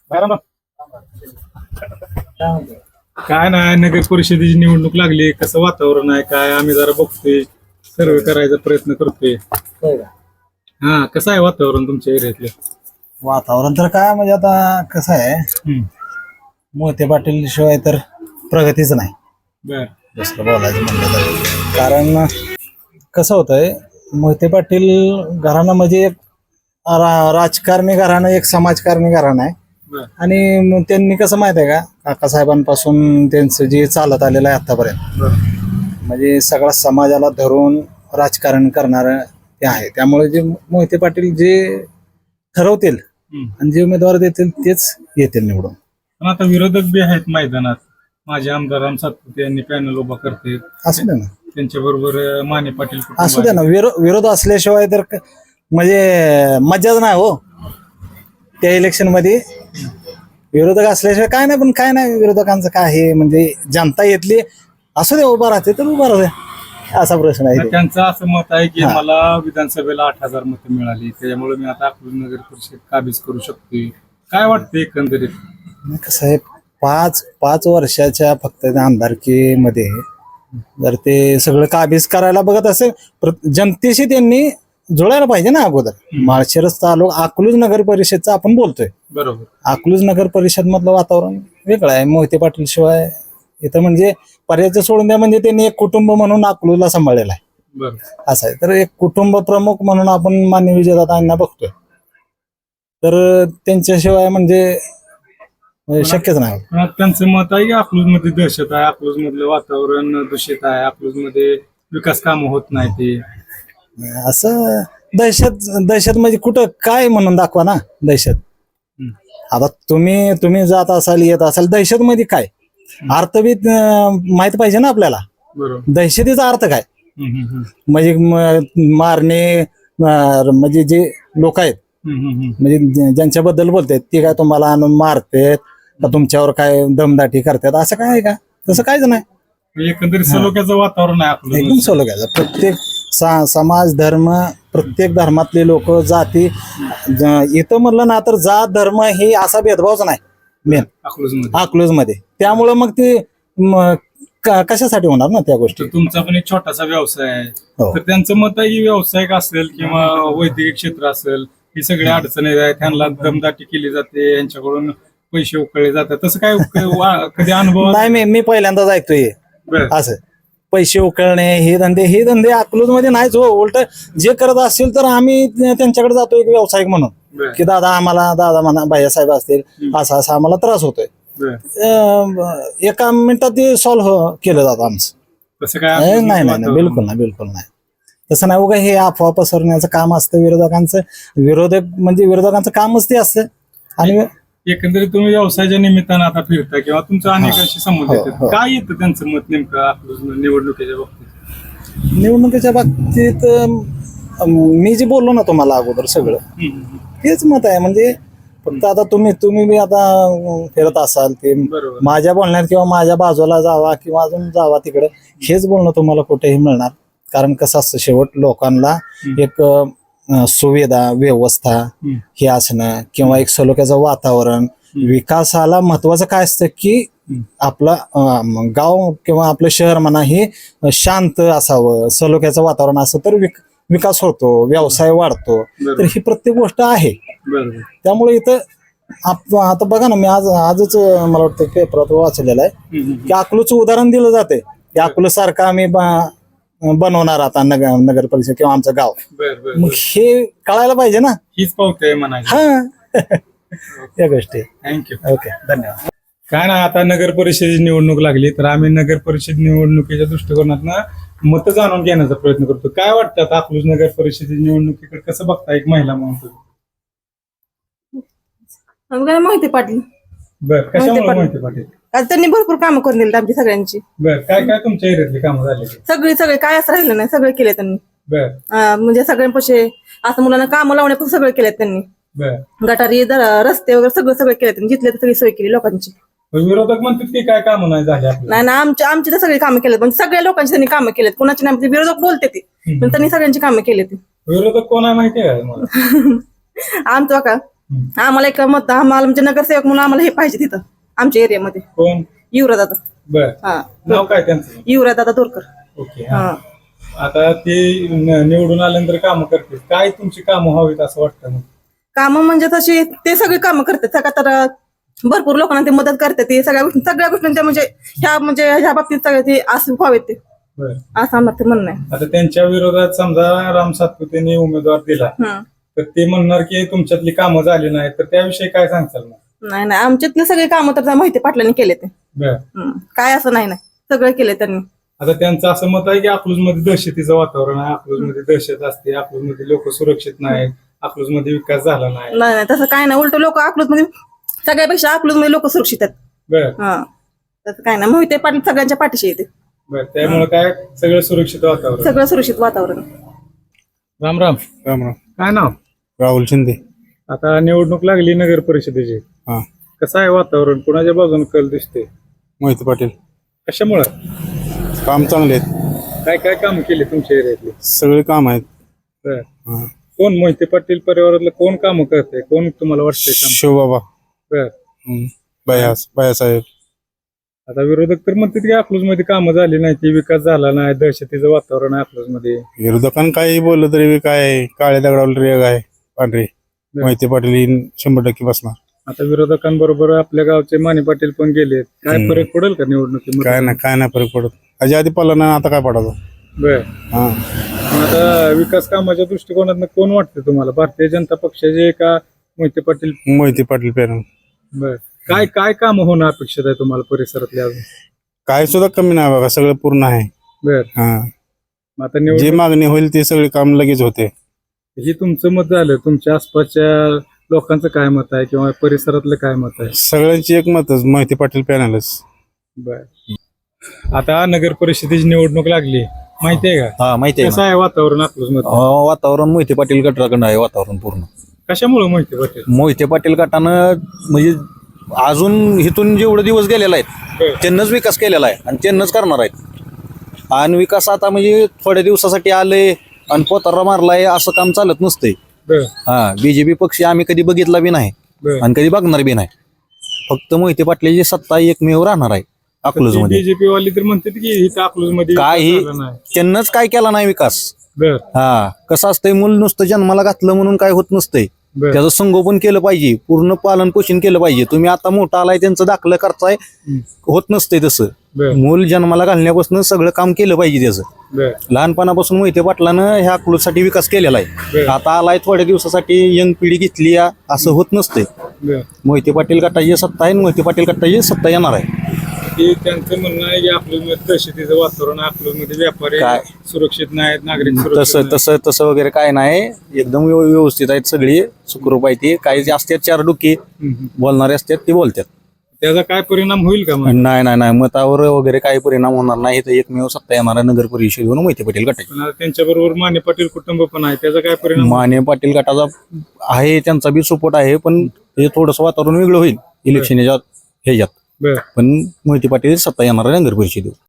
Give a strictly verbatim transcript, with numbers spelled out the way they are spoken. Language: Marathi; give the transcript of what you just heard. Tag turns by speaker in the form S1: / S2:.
S1: काय नाही, नगर परिषदेची निवडणूक लागली, कसं वातावरण आहे काय आम्ही जरा बघतोय, सर्वे करायचा प्रयत्न करतोय. हा, कसं आहे वातावरण तुमच्या एरियातलं?
S2: वातावरण तर काय म्हणजे आता कसं आहे,
S1: हम्म.
S2: मोहिते पाटील शिवाय तर प्रगतीच नाही.
S1: बर.
S2: दुसरं बोलायचं म्हणलं तर कारण कसं होतंय, मोहिते पाटील घराणं म्हणजे एक रा- राजकारणी घराणं, एक समाजकारणी घराणं आहे.
S1: बर.
S2: आणि मग त्यांनी कसं माहित आहे का, काकासाहेबांपासून त्यांचं जे चालत आलेलं आहे आतापर्यंत,
S1: बर.
S2: म्हणजे सगळ्या समाजाला धरून राजकारण करणारं ते आहे. त्यामुळे जे मोहिते पाटील जे ठरवतील
S1: हम्म.
S2: आणि जे उमेदवार देतील तेच येतील निवडून.
S1: पण आता विरोधक बी आहेत मैदानात. माझे आमदार राम सातपुते यांनी पॅनल उभा करते,
S2: असू दे ना,
S1: त्यांच्या बरोबर माने पाटील कुटुंब
S2: असू दे
S1: आहे.
S2: ना. विरो विरोध असल्याशिवाय तर क- म्हणजे मजाच नाही हो त्या इलेक्शन मध्ये. विरोधक असल्याशिवाय काय नाही. पण काय नाही, विरोधकांचं काय आहे म्हणजे जनता येतली असू दे, उभा राहते तर उभा राहते, असा प्रश्न आहे
S1: तर
S2: ते.
S1: त्यांचं असं मत आहे की
S2: हा.
S1: मला विधानसभेला आठ हजार मतं मिळाली, त्याच्यामुळे मी आता अकलूज नगर परिषद काबीज करू शकतोय. काय वाटतं एकंदरीत?
S2: नाही, कसं आहे, पाच पाच वर्षाच्या फक्त त्या आमदारकीमध्ये जर ते सगळं काबीज करायला बघत असेल, प्र- जनतेशी त्यांनी जुळायला पाहिजे ना अगोदर. माळशिरस तालुका अकलूज नगर परिषदचं आपण बोलतोय.
S1: बरोबर.
S2: अकलूज नगर परिषद मधलं वातावरण वेगळं आहे. मोहिते पाटील शिवाय इथं म्हणजे पर्यायचं सोडून द्या, म्हणजे त्यांनी एक कुटुंब म्हणून अकलूजला सांभाळलेलं आहे.
S1: बरोबर.
S2: असं आहे. तर एक कुटुंब प्रमुख म्हणून आपण माननीय विजयदादांना बघतोय, तर त्यांच्याशिवाय म्हणजे शक्यच नाही.
S1: पण आता त्यांचं मत आहे की अकलूज मध्ये दहशत आहे, अकलूज मधलं वातावरण दूषित आहे, अकलूज मध्ये विकास कामं होत नाही. ते
S2: असं दहशत दहशत म्हणजे कुठं काय म्हणून दाखवा ना दहशत.
S1: हम्म.
S2: आता तुम्ही तुम्ही जात असाल, येत असाल, दहशत मध्ये काय अर्थ बी अं, माहित पाहिजे ना आपल्याला.
S1: बरोबर.
S2: दहशतीचा अर्थ काय
S1: हम्म, हम्म, हम्म.
S2: म्हणजे म- मारणे, अं, म्हणजे जे लोक आहेत
S1: हम्म, हम्म, हम्म.
S2: म्हणजे ज्या- ज्यांच्याबद्दल बोलतात ते काय तुम्हाला आणून मारतात का तुमच्यावर काय दमदाटी करतात, असं काय आहे का? तसं काहीच नाही.
S1: म्हणजे एकंदरीत सलोख्याचं वातावरण आहे
S2: एकदम
S1: अकलूज.
S2: सोलो घ्यायचं. प्रत्येक सा समाज धर्म, प्रत्येक धर्मातले लोक, जाती, ज- इथं म्हणलं ना तर जात धर्म हे असा भेदभावच नाही मेन
S1: अकलूज मध्ये.
S2: अकलूज मध्ये. त्यामुळं मग ते म, क- कशासाठी होणार ना त्या गोष्टी.
S1: तर तुमचा पण एक छोटासा व्यवसाय आहे,
S2: हो.
S1: तर त्यांचं मत आहे की व्यावसायिक असेल किंवा वैद्यकीय क्षेत्र असेल, ही सगळ्या अडचणी आहेत, त्यांना दमदाटी केली जाते, यांच्याकडून पैसे उकळले जातात. तसं काय क- वा- कधी अनुभव?
S2: नाही, मी मी पहिल्यांदाच ऐकतोय
S1: बरं.
S2: असं पैसे उकळणे हे धंदे हे धंदे अकलूज मध्ये नाहीच हो. उलट जे करत असतील तर आम्ही त्यांच्याकडे जातो एक व्यावसायिक म्हणून,
S1: बरं.
S2: की दादा आम्हाला, दादा म्हणा भैयासाहेब असतील, असा असा आम्हाला त्रास होतोय.
S1: बरं.
S2: अं, एका मिनिटात ते सॉल्व्ह केलं जातं आमचं.
S1: तसं काय
S2: नाही
S1: अकलूज
S2: नाही
S1: मध्ये
S2: नाही, बिलकुल नाही, बिलकुल नाही. तसं नाही. उगा हे अफवा पसरण्याचं काम असतं विरोधकांचं. विरोधक म्हणजे विरोधकांचं कामच ते असतं. आणि
S1: एकंदरीत तुम्ही व्यवसायाच्या निमित्तानं आता फिरता किंवा तुमचा अनेकांशी संबंध
S2: हो,
S1: येतात,
S2: हो.
S1: काय येतं त्यांचं मत नेमकं अकलूज निवडणुकीच्या बाबतीत?
S2: निवडणुकीच्या बाबतीत अं, मी जे बोललो ना तुम्हाला अगोदर सगळं
S1: हम्म, हम्म.
S2: तेच मत आहे. म्हणजे फक्त आता तुम्ही तुम्ही बी आता अं, फिरत असाल ते
S1: बरोबर.
S2: माझ्या बोलण्यात किंवा माझ्या बाजूला जावा किंवा अजून जावा तिकडे, हेच बोलणं तुम्हाला कुठेही मिळणार. कारण कसं असतं, शेवट लोकांना एक अं, सुविधा व्यवस्था
S1: हम्म.
S2: हे असणं किंवा एक सलोख्याचं वातावरण, विकासाला महत्वाचं काय असतं की आपला अं, गाव किंवा आपलं शहर म्हणा हे शांत असावं, सलोख्याचं वातावरण असं तर विक- विकास होतो, व्यवसाय वाढतो.
S1: बरोबर.
S2: तर ही प्रत्येक गोष्ट आहे.
S1: बरोबर.
S2: त्यामुळे इथं आप आता बघा ना, मी आज आजच मला वाटतं पेपरात वाचलेलं आहे
S1: हम्म, हम्म.
S2: की अकलूजचं उदाहरण दिलं जाते की अकलूज सारखं आम्ही ब- बनवणार आता नगर नगर परिषद किंवा आमचं गाव.
S1: बर बर
S2: मग हे कळायला पाहिजे ना.
S1: हीच पावते म्हणायची.
S2: हा या गोष्टी.
S1: थँक्यू.
S2: ओके, धन्यवाद.
S1: काय ना, आता नगर परिषदेची निवडणूक लागली, तर आम्ही नगर परिषद निवडणुकीच्या दृष्टिकोनातनं मतं जाणून घेण्याचा प्रयत्न करतो. काय वाटतं आता अकलूज नगर परिषदेची निवडणुकीकडे कसं बघता एक महिला म्हणून तुम्ही?
S3: आम्हाला मोहिते पाटील.
S1: बर, कशामुळे
S3: मोहिते
S1: माहिती पाटील?
S3: आज त्यांनी भरपूर कामं करून दिली आमची सगळ्यांची.
S1: बर, काय काय तुमच्या एरियातली कामं झालेली?
S3: सगळी सगळे काय असं राहिलं नाही, सगळे केले त्यांनी.
S1: बर
S3: अं, म्हणजे सगळ्यांपाशी असं मुलांना कामं लावण्यापासून सगळे केलेत त्यांनी.
S1: बर.
S3: गटारी दर- रस्ते वगैरे सगळं सगळे केले त्यांनी, जिथले तर सगळी सोय केली लोकांची.
S1: विरोधक म्हणतात की काय कामं नाही झाली आपल्याला.
S3: नाही ना, आमची आमची तर सगळी कामं केलेत, म्हणजे सगळ्या लोकांची त्यांनी कामं केलेत. कुणाची नाही, म्हणजे विरोधक बोलते ते पण त्यांनी सगळ्यांची कामं केली ती.
S1: विरोधक कोण आहे माहिती आहे का तुम्हाला?
S3: आमचं का आम्हाला एक मत आम्हाला म्हणजे नगरसेवक म्हणून आम्हाला हे पाहिजे तिथं आमच्या एरियामध्ये
S1: कोण?
S3: युवराज दादा.
S1: बर.
S3: हा
S1: नाव काय त्यांचं?
S3: युवराज दादा तोरकर.
S1: ओके. हा.
S3: हा
S1: आता ते न- निवडून आल्यानंतर कामं करतील. काय तुमची कामं व्हावीत असं वाटतं मग?
S3: कामं म्हणजे तशी ते सगळी कामं करतात सगळ्या तर भरपूर लोकांना ते मदत करतात ते सगळ्या गोष्टी सगळ्या गोष्टींच्या म्हणजे ह्या म्हणजे ह्या बाबतीत सगळे ते असं व्हावेत ते
S1: बर.
S3: असं आम्हाला ते म्हणणं आहे.
S1: आता त्यांच्या विरोधात समजा राम सातपुतेने उमेदवार दिला
S3: हं.
S1: तर ते म्हणणार की तुमच्यातली कामं झाली नाही, तर त्याविषयी काय सांगताल मग?
S3: नाही नाही आमच्यातले सगळे कामं तर त्या माहिती पाटलांनी केले ते.
S1: बर.
S3: हं. काय असं नाही नाही सगळं केले त्यांनी.
S1: आता त्यांचं असं मत आहे की अकलूजमध्ये दहशतीचं वातावरण आहे, अकलूजमध्ये दहशत असते, अकलूजमध्ये लोक सुरक्षित नाहीत, अकलूजमध्ये विकास झाला नाही.
S3: नाही नाही तसं काय नाही उलट लोक अकलूज मध्ये सगळ्यापेक्षा अकलूज मध्ये लोक सुरक्षित आहेत.
S1: बर.
S3: हा तसं काय नाही मोहिते पाटील सगळ्यांच्या पाठीशी येते.
S1: बर. त्यामुळे काय सगळं सुरक्षित वातावरण.
S3: सगळं सुरक्षित वातावरण.
S1: राम राम.
S4: राम राम.
S1: काय नाव?
S4: राहुल शिंदे.
S1: आता निवडणूक लागली नगर परिषदेची,
S4: हा.
S1: कसं आहे वातावरण? कुणाच्या बाजूने कल दिसते?
S4: मोहिते पाटील.
S1: कशामुळं?
S4: काम चांगले आहेत,
S1: काय काय काम केले तुमच्या एरियातले?
S4: सगळे काम आहेत.
S1: बर.
S4: हा.
S1: कोण मोहिते पाटील परिवारातलं कोण काम करते? कोण तुम्हाला वाटतंय काम?
S4: शिवबाबा.
S1: बर.
S4: हम्म. बयास बयासाहेब.
S1: आता विरोधक तर म्हणतात की अकलूज मध्ये कामं झाली नाही, ती विकास झाला नाही, दहशतीचं वातावरण आहे अकलूज मध्ये.
S4: विरोधकांना काही बोललं तरी बी काय काळ्या दगडावर रेग आहे पांढरी. मोहिते पाटील ही शंभर टक्के बसणार.
S1: आता विरोधकांबरोबर आपल्या गावचे माने पाटील पण गेले, काय
S4: हम्म.
S1: फरक पडेल का निवडणुकीमध्ये?
S4: काय नाही काय नाही फरक पडत. अजय आधी पडला ना, आता काय पडायचं.
S1: बर.
S4: हा.
S1: मग आता विकास कामाच्या दृष्टिकोनातून कोण वाटतं तुम्हाला? भारतीय जनता पक्षाचे का मोहिते पाटील?
S4: मोहिते पाटील पॅनल.
S1: बर. काय काय काम होणं अपेक्षित आहे तुम्हाला परिसरातल्या अजून?
S4: काय सुद्धा कमी नाही बघा, सगळं पूर्ण आहे.
S1: बर.
S4: हा.
S1: मग आता
S4: जे
S1: निवडणूक
S4: मागणी होईल ते सगळे काम लगेच होते.
S1: ही तुमचं मत झालं, तुमच्या आसपासच्या लोकांचं काय मत आहे किंवा परिसरातलं काय मत आहे?
S4: सगळ्यांची एक मतच मोहिते पाटील पॅनलच.
S1: बर. आता नगर परिषदेची निवडणूक लागली, माहितीये का?
S5: हा माहिती आहे
S1: कसं आहे वातावरण अकलूज मध्ये?
S5: ना. अं, वातावरण मोहिते पाटील गटाकडं आहे वातावरण पूर्ण.
S1: कशामुळे मोहिते पाटील?
S5: मोहिते पाटील गटानं म्हणजे अजून इथून जेवढे दिवस गेलेला आहेत
S1: बर.
S5: त्यांनाच विकास केलेला आहे आणि त्यांनाच करणार आहेत. आणि विकास आता म्हणजे थोड्या दिवसासाठी आले आणि पोतारा मारलाय असं काम चालत नसतंय.
S1: बर.
S5: हा बीजेपी पक्ष आम्ही कधी बघितला बी नाही
S1: बर.
S5: आणि कधी बघणार बी नाही. फक्त मोहिते पाटलाची सत्ता एकमेव राहणार आहे अकलूज मध्ये.
S1: बीजेपी वाली तर म्हणतात की इथं अकलूज मध्ये
S5: काही
S1: विकास झाला नाही.
S5: त्यांनाच काय केला नाही विकास.
S1: बर.
S5: हा कसं असतंय, मूल नुसतं जन्माला घातलं म्हणून काय होत नसतंय.
S1: बर.
S5: त्याचं संगोपन केलं पाहिजे, पूर्ण पालन पोषण केलं पाहिजे. तुम्ही आता मोठा आलाय त्यांचं दाखलं करताय, होत नसतंय तसं.
S1: बर.
S5: मूल जन्माला घालण्यापासून सगळं काम केलं पाहिजे त्याचं.
S1: बर.
S5: लहानपणापासून मोहिते पाटलानं ह्या अकलूजसाठी विकास केलेला आहे.
S1: बर.
S5: आता आलाय थोड्या दिवसासाठी यंग पिढी घेतली या, असं होत नसतंय.
S1: बर.
S5: मोहिते पाटील गटाची सत्ता आहे, मोहिते पाटील गटाची सत्ता येणार आहे.
S1: की त्यांचं म्हणणं आहे की अकलूज मध्ये दहशतीचं वातावरण, अकलूज मध्ये व्यापारी
S5: काय?
S1: सुरक्षित नाहीत, नागरिक
S5: तसं
S1: सुरक्षित नाहीत.
S5: तसं तसं वगैरे काय नाही, एकदम व्यव- व्यवस्थित आहेत सगळी, सुखरूप आहे ती. काही जे असतात चार डुकी
S1: हम्म.
S5: बोलणारे असतात ते बोलतात.
S1: त्याचा काय परिणाम होईल का मग?
S5: नाही नाही नाही मतावर वगैरे काही परिणाम होणार नाही. तर एकमेव सत्ता येणार नगर परिषदेवरून मोहिते पाटील गटाची.
S1: पण आता त्यांच्या बरोबर माने पाटील कुटुंब पण आहे, त्याचा काय परिणाम?
S5: माने पाटील गटाचा आहे, त्यांचा बी सपोर्ट आहे, पण हे थोडंसं वातावरण वेगळं होईल इलेक्शनच्या ह्याच्यात.
S1: बर.
S5: पण मोहिते पाटील सत्ता येणार नगर परिषदेवर.